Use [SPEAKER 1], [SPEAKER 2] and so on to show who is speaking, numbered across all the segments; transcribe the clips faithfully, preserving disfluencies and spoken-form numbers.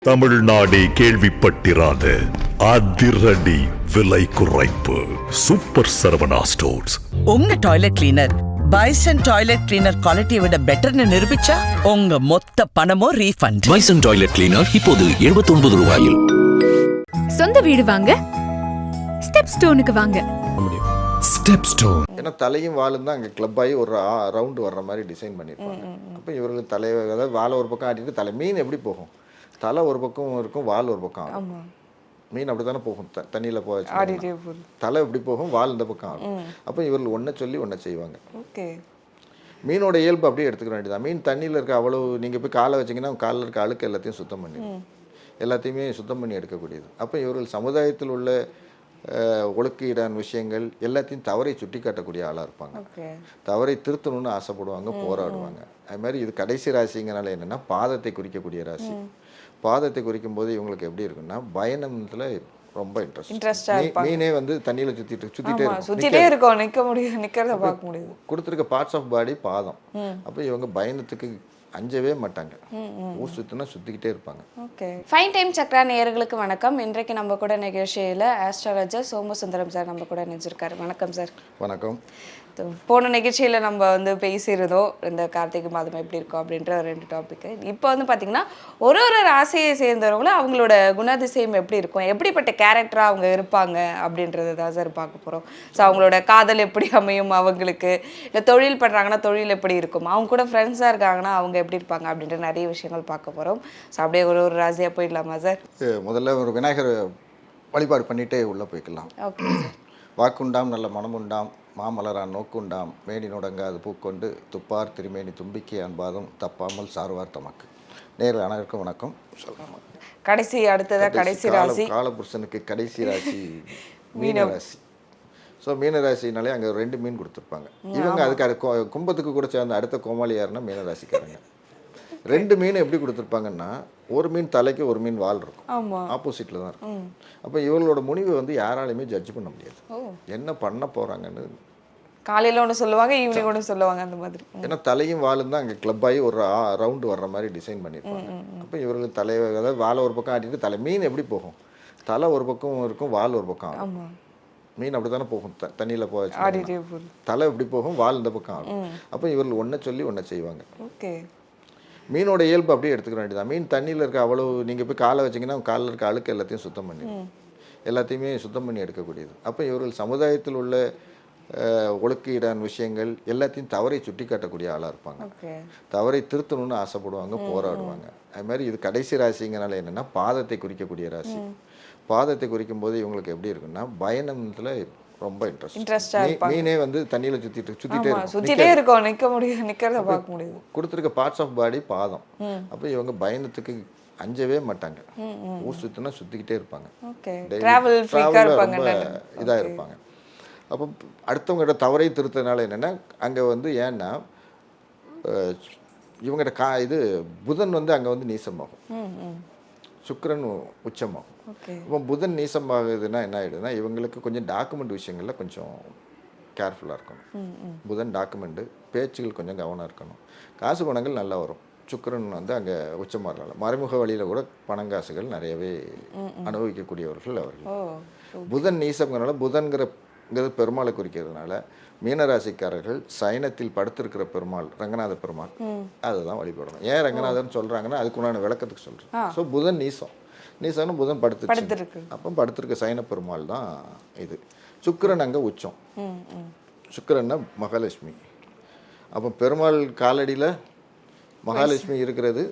[SPEAKER 1] தமிழ்நாடே கேள்விப்பட்டிராத அதிரடி விலை குறைப்பு சூப்பர் சரவணா ஸ்டோர்ஸ்.
[SPEAKER 2] உங்க toilet cleaner Bison toilet cleaner குவாலிட்டியை விட பெட்டர்னு நிரூபிச்சா உங்க மொத்த பணமும் ரீஃபண்ட்.
[SPEAKER 3] பைசன் டாய்லெட் கிளீனர் இப்போது எழுபத்தி ஒன்பது ரூபாயில்.
[SPEAKER 4] சொந்த வீடு வாங்க ஸ்டெப் ஸ்டோனுக்கு வாங்க.
[SPEAKER 3] Step stone.
[SPEAKER 5] ஏன்னா தலையும் வாலும் தான் அங்கே கிளப் ஆகி ஒரு ரவுண்டு வர்ற மாதிரி டிசைன் பண்ணியிருப்பாங்க. அப்போ இவர்களுக்கு தலை, அதாவது வாழை ஒரு பக்கம் ஆட்டிட்டு தலை. மீன் எப்படி போகும்? தலை ஒரு பக்கம் இருக்கும், வால் ஒரு பக்கம் ஆகும். மீன் அப்படி தானே போகும், த தண்ணியில் போக தலை எப்படி போகும், வால் இந்த பக்கம் ஆகும். அப்போ இவர்கள் ஒன்றை சொல்லி ஒன்றை செய்வாங்க.
[SPEAKER 6] ஓகே,
[SPEAKER 5] மீனோட இயல்பு அப்படியே எடுத்துக்க வேண்டியதான். மீன் தண்ணியில் இருக்க அவ்வளோ, நீங்கள் போய் காலை வச்சிங்கன்னா காலில் இருக்க அழுக்கு எல்லாத்தையும் சுத்தம் பண்ணி எல்லாத்தையுமே சுத்தம் பண்ணி எடுக்கக்கூடியது. அப்போ இவர்கள் சமுதாயத்தில் உள்ள ஒழுக்கீடான விஷயங்கள் எல்லாத்தையும் தவறை சுட்டி காட்டக்கூடிய ஆளாக இருப்பாங்க. தவறை திருத்தணும்னு ஆசைப்படுவாங்க, போராடுவாங்க. அது மாதிரி இது கடைசி ராசிங்கனால என்னென்னா பாதத்தை குறிக்கக்கூடிய ராசி. பாதத்தை குறிக்கும் போது இவங்களுக்கு எப்படி இருக்குன்னா பயணத்துல ரொம்ப இன்ட்ரெஸ்ட். மீனே வந்து தண்ணியில சுத்திட்டு சுத்திட்டே
[SPEAKER 6] சுத்திட்டே இருக்கும், நிக்க முடியும், நிக்கிறத பார்க்க முடியும்.
[SPEAKER 5] கொடுத்துருக்க பார்ட்ஸ் ஆஃப் பாடி பாதம். அப்போ இவங்க பயணத்துக்கு அஞ்சவே மாட்டாங்க, ஊர் சுத்தினா சுத்திக்கிட்டே இருப்பாங்க.
[SPEAKER 6] ஓகே, ஃபைன் டைம் சக்ரா நேயர்களுக்கு வணக்கம். இன்றைக்கு நம்ம கூட நிகழ்ச்சியில் ஆஸ்ட்ராலஜர் சோமசுந்தரம் சார் நம்ம கூட நினைச்சிருக்காரு. வணக்கம் சார்.
[SPEAKER 5] வணக்கம்.
[SPEAKER 6] போன நிகழ்ச்சியில் நம்ம வந்து பேசியிருந்தோம் இந்த கார்த்திகை மாதம் எப்படி இருக்கும் அப்படின்ற ரெண்டு டாபிக்கு. இப்போ வந்து பார்த்திங்கன்னா ஒரு ஒரு ராசியை சேர்ந்தவங்களும் அவங்களோட குணாதிசயம் எப்படி இருக்கும், எப்படிப்பட்ட கேரக்டராக அவங்க இருப்பாங்க அப்படின்றது தான் சார் பார்க்க போகிறோம். ஸோ அவங்களோட காதல் எப்படி அமையும் அவங்களுக்கு, இல்லை தொழில் பண்ணுறாங்கன்னா தொழில் எப்படி இருக்கும், அவங்க கூட ஃப்ரெண்ட்ஸாக இருக்காங்கன்னா அவங்க எப்படி இருப்பாங்க அப்படின்ற நிறைய விஷயங்கள் பார்க்க போகிறோம். ஸோ அப்படியே ஒரு ஒரு ராசியாக போயிடலாமா சார்?
[SPEAKER 5] முதல்ல ஒரு விநாயகர் வழிபாடு பண்ணிகிட்டே உள்ளே போய்க்கலாம்.
[SPEAKER 6] ஓகே.
[SPEAKER 5] வாக்குண்டாம் நல்ல மனமுண்டாம், மாமலரான் நோக்குண்டாம், மேனி நொடங்காது பூக்கொண்டு துப்பார் திருமேனி தும்பிக்கை அன்பாதும் தப்பாமல் சார்வார் தமக்கு. நேரில் அனைவருக்கும் வணக்கம். சொல்லலாம்
[SPEAKER 6] கடைசி அடுத்ததா கடைசி ராசி
[SPEAKER 5] காலபுருஷனுக்கு கடைசி ராசி மீன ராசி. ஸோ மீன ராசினாலே அங்கே ரெண்டு மீன் கொடுத்துருப்பாங்க. இவங்க அதுக்கு அது கும்பத்துக்கு கூட சேர்ந்த அடுத்த கோமாளி யாருன்னா மீன ராசிக்காரங்க. ரெண்டு மீன் எப்படி கொடுத்துருப்பாங்கன்னா, ஒரு மீன் தலைக்கு ஒரு மீன் வால் இருக்கும், ஆப்போசிட்டில் தான் இருக்கும். அப்போ இவங்களோட முடிவை வந்து யாராலையுமே ஜட்ஜ் பண்ண முடியாது, என்ன பண்ண போகிறாங்கன்னு.
[SPEAKER 6] காலையில் ஒன்று சொல்லுவாங்க, ஈவினிங் ஒன்று சொல்லுவாங்க, அந்த மாதிரி.
[SPEAKER 5] ஏன்னா தலையும் வாலும் தான் அங்கே கிளப் ஆகி ஒரு ரவுண்டு வர்ற மாதிரி டிசைன் பண்ணியிருப்பாங்க. அப்போ இவர்களுக்கு தலை, அதாவது வாழை ஒரு பக்கம் ஆட்டிட்டு தலை. மீன் எப்படி போகும்? தலை ஒரு பக்கம் இருக்கும், வால் ஒரு பக்கம் ஆகும். மீன் அப்படி தானே போகும், த தண்ணியில் போக தலை எப்படி போகும், வால் இந்த பக்கம் ஆகும். அப்போ இவர்கள் ஒன்றை சொல்லி ஒன்றை செய்வாங்க.
[SPEAKER 6] ஓகே,
[SPEAKER 5] மீனோட இயல்பு அப்படியே எடுத்துக்க வேண்டியதான். மீன் தண்ணியில் இருக்க அவ்வளோ, நீங்கள் போய் காலை வச்சிங்கன்னா காலில் இருக்க அழுக்கு எல்லாத்தையும் சுத்தம் பண்ணி எல்லாத்தையுமே சுத்தம் பண்ணி எடுக்கக்கூடியது. அப்போ இவர்கள் சமுதாயத்தில் உள்ள ஒழுக்கீடான விஷயங்கள் எல்லாத்தையும் தவறை சுட்டி காட்டக்கூடிய ஆளாக இருப்பாங்க. தவறை திருத்தணும்னு ஆசைப்படுவாங்க, போராடுவாங்க. அது மாதிரி இது கடைசி ராசிங்கனால என்னென்னா பாதத்தை குறிக்கக்கூடிய ராசி. பாதத்தை குறிக்கும் போது இவங்களுக்கு எப்படி இருக்குன்னா பயணத்தில் ரொம்ப இன்ட்ரெஸ்ட். மீனே வந்து தண்ணியில சுத்திட்டு சுத்திட்டே
[SPEAKER 6] சுத்திட்டே இருக்கும், நிக்க முடியும், நிக்கிறத பார்க்க முடியும்.
[SPEAKER 5] கொடுத்துருக்க பார்ட்ஸ் ஆஃப் பாடி பாதம். அப்போ இவங்க பயணத்துக்கு அஞ்சவே மாட்டாங்க, ஊர் சுத்தினா சுத்திக்கிட்டே இருப்பாங்க. ரொம்ப இதா இருப்பாங்க. அப்போ அடுத்தவங்ககிட்ட தவறை திருத்தனால என்னன்னா, அங்க வந்து ஏன்னா இவங்ககிட்ட கா இது புதன் வந்து அங்க வந்து நீசமாகும், சுக்கிரன் உச்சமாகும். இப்போ புதன் நீசமாகுதுன்னா என்ன ஆகிடுதுன்னா, இவங்களுக்கு கொஞ்சம் டாக்குமெண்ட் விஷயங்களில் கொஞ்சம் கேர்ஃபுல்லாக இருக்கணும். புதன் டாக்குமெண்ட்டு பேச்சுகள் கொஞ்சம் கவனம் இருக்கணும். காசு பணங்கள் நல்லா வரும். சுக்கிரன் வந்து அங்கே உச்சமாகறனால மறைமுக வழியில் கூட பணங்காசுகள் நிறையவே அனுபவிக்கக்கூடியவர்கள் அவர்கள். புதன் நீசம்ங்கிறனால, புதன்கிறங்கிறது பெருமாளை குறிக்கிறதுனால மீனராசிக்காரர்கள் சயனத்தில் படுத்திருக்கிற பெருமாள் ரங்கநாத பெருமாள் அதுதான் வழிபடணும். ஏன் ரங்கநாதன் சொல்கிறாங்கன்னா அதுக்குண்டான விளக்கத்துக்கு சொல்கிறேன். ஸோ புதன் நீசம், நீசம்னு புதன் படுத்து அப்போ படுத்திருக்க சைன பெருமாள் தான் இது. சுக்கிரன் அங்கே உச்சம், சுக்கிரன்னா மகாலட்சுமி. அப்போ பெருமாள் காலடியில் மகாலட்சுமி இருக்கிறது,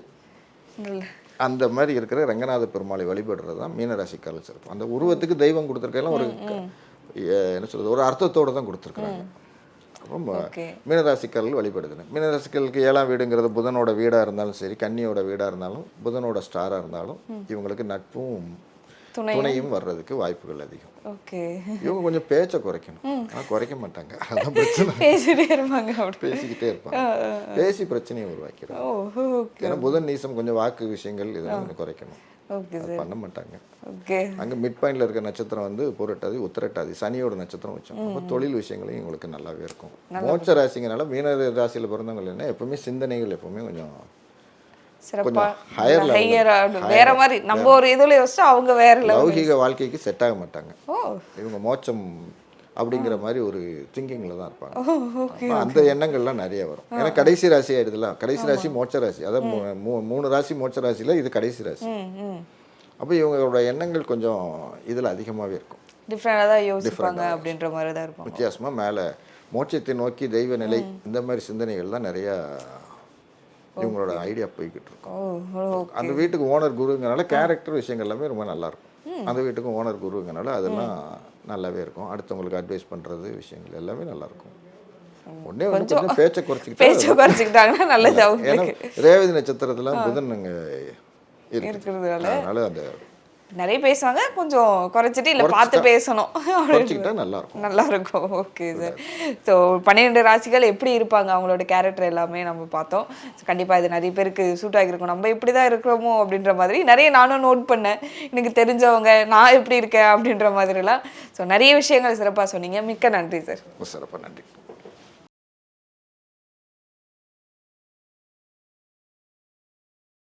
[SPEAKER 5] அந்த மாதிரி இருக்கிற ரங்கநாத பெருமாளை வழிபடுறது தான் மீனராசிக்காரர்கள் சிறப்பு. அந்த உருவத்துக்கு தெய்வம் கொடுத்துருக்கலாம் ஒரு என்ன சொல்றது, ஒரு அர்த்தத்தோடு தான் கொடுத்துருக்குறாங்க. ரொம்ப மீனராசிக்காரர்கள் வழிபடுதுன்னு. மீனராசிக்காரர்களுக்கு ஏழாம் வீடுங்கிறது புதனோட வீடாக இருந்தாலும் சரி, கன்னியோட வீடாக இருந்தாலும், புதனோட ஸ்டாராக இருந்தாலும் இவங்களுக்கு நட்பும் துணையும் வர்றதுக்கு வாய்ப்புகள் அதிகம்.
[SPEAKER 6] ஓகே,
[SPEAKER 5] இவங்க கொஞ்சம் பேச்சை குறைக்கணும். ஆனால் குறைக்க மாட்டாங்க, அதான் பிரச்சனை.
[SPEAKER 6] பேசிட்டே இருப்பாங்க,
[SPEAKER 5] பேசிக்கிட்டே இருப்பாங்க, பேசி பிரச்சனையை உருவாக்கிறாங்க. ஏன்னா புதன் நீசம் கொஞ்சம் வாக்கு விஷயங்கள் இதெல்லாம் கொஞ்சம் குறைக்கணும், பண்ண மாட்டாங்க. அங்கே மிட் பாயிண்ட்ல இருக்க நட்சத்திரம் வந்து புரட்டாதி உத்திரட்டாதி, சனியோட நட்சத்திரம் வச்சோம். அப்போ தொழில் விஷயங்களையும் உங்களுக்கு நல்லாவே இருக்கும். மோட்ச ராசிங்கனால மீன ராசியில் பிறந்தவங்க என்ன எப்பவுமே சிந்தனைகள் எப்பவுமே கொஞ்சம்
[SPEAKER 6] சிறப்பா
[SPEAKER 5] higher level.
[SPEAKER 6] ஹையர் வேற மாதிரி நம்ம ஒரு இதுல யோசிச்சா அவங்க வேற லெவல்.
[SPEAKER 5] லௌகிக வாழ்க்கைக்கு செட் ஆக மாட்டாங்க.
[SPEAKER 6] ஓ
[SPEAKER 5] இவங்க மோட்சம் அப்படிங்கிற மாதிரி ஒரு திங்கிங்கில் தான் இருப்பாங்க. அப்ப அந்த எண்ணங்கள்லாம் நிறைய வரும். ஏன்னா கடைசி ராசி ஆயிடுதுல, கடைசி ராசி மோட்ச ராசி, அதாவது மூ- மூ- மூணு ராசி மோட்ச ராசியில் இது கடைசி ராசி. அப்போ இவங்களோட எண்ணங்கள் கொஞ்சம் இதில் அதிகமாகவே இருக்கும்,
[SPEAKER 6] டிஃப்ரெண்டாக தான் யோசிப்பாங்க அப்படின்ற மாதிரி தான் இருக்கும்.
[SPEAKER 5] வித்தியாசமாக. மேலே மோட்சத்தை நோக்கி தெய்வ நிலை இந்த மாதிரி சிந்தனைகள் தான் நிறையா இவங்களோட ஐடியா போய்கிட்டு இருக்கும்.
[SPEAKER 6] ஓ ஓ
[SPEAKER 5] அந்த வீட்டுக்கு ஓனர் குருங்கனால கேரக்டர் விஷயங்கள் எல்லாமே ரொம்ப நல்லா இருக்கும். அந்த வீட்டுக்கும் ஓனர் குருங்கனால அதெல்லாம் நல்லாவே இருக்கும். அடுத்தவங்களுக்கு அட்வைஸ் பண்ணுறது விஷயங்கள் எல்லாமே நல்லா இருக்கும். ஒன்னே வந்து கொஞ்சம் பேச்சை குறைச்சிக்கிட்டா,
[SPEAKER 6] பேச்ச குறைச்சிக்கிட்டாங்கன்னா நல்லது
[SPEAKER 5] ஏன்னா
[SPEAKER 6] அவங்களுக்கு.
[SPEAKER 5] ரேவதி நட்சத்திரத்துல புதன் அங்கே
[SPEAKER 6] இருக்கிறதுனால
[SPEAKER 5] அதனால அந்த
[SPEAKER 6] நிறைய பேசுவாங்க, கொஞ்சம் குறைச்சிட்டு இல்லை பார்த்து பேசணும்
[SPEAKER 5] குறைச்சிக்கிட்டா நல்லா இருக்கும்.
[SPEAKER 6] நல்லா இருக்கும். Okay sir. ஸோ பன்னிரெண்டு ராசிகள் எப்படி இருப்பாங்க, அவங்களோட கேரக்டர் எல்லாமே நம்ம பார்த்தோம். கண்டிப்பாக இது நிறைய பேருக்கு சூட் ஆகிருக்கும். நம்ம இப்படி தான் இருக்கிறோமோ அப்படின்ற மாதிரி நிறைய நானும் நோட் பண்ணேன். எனக்கு தெரிஞ்சவங்க நான் எப்படி இருக்கேன் அப்படின்ற மாதிரிலாம். ஸோ நிறைய விஷயங்கள் சிறப்பாக சொன்னீங்க. மிக்க நன்றி சார்.
[SPEAKER 5] சிறப்பாக நன்றி.